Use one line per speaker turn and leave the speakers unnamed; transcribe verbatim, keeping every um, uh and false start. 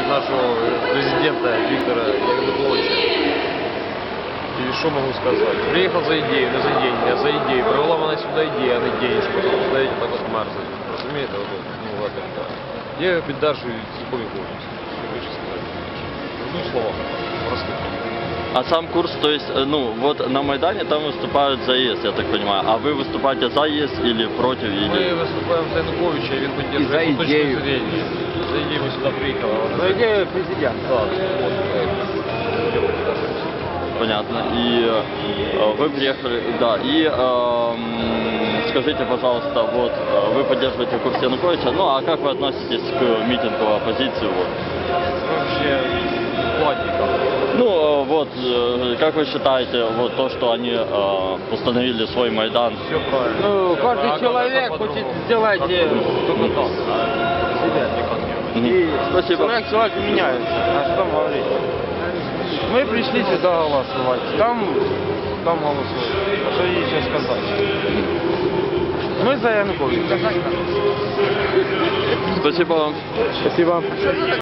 нашего президента Виктора Януковича. И что могу сказать? Приехал за идею, не за деньги, а за идею. Привела мене сюди ідея, а не деньги, щоб стоять так от мерзнуть. Розумієте? Ну, ладно, так. Я його піддержую цілком повністю. Що більше сказати? Одним словом, просто.
А сам курс, то есть, ну, вот на Майдане там выступают за ЕС, я так понимаю. А вы выступаете за ЕС или против? Или...
Мы выступаем за Януковича, и он поддерживает
И за идею.
точку зрения. За идею мы сюда приехали.
За идею президента.
Да, вот, поэтому.
Понятно. И э, вы приехали, да, и э, м, скажите, пожалуйста, вот, э, вы поддерживаете курс Януковича, ну, а как вы относитесь к митингу оппозиции, вот?
Вообще, ладненько.
Ну, э, вот, э, как вы считаете, вот то, что они э, установили свой Майдан?
Все правильно.
Ну,
Всё
каждый
правильно. А
человек
как
хочет
по-другому?
сделать
Как
э,
по-другому?
только так.
Себя, никак нет.
Мгм.
И
Спасибо.
человек человек меняется. А что там говорить? Мы пришли сюда голосовать. Там, там голосуют. А что ей еще сказать? Мы за Януковича.
Спасибо вам.
Спасибо.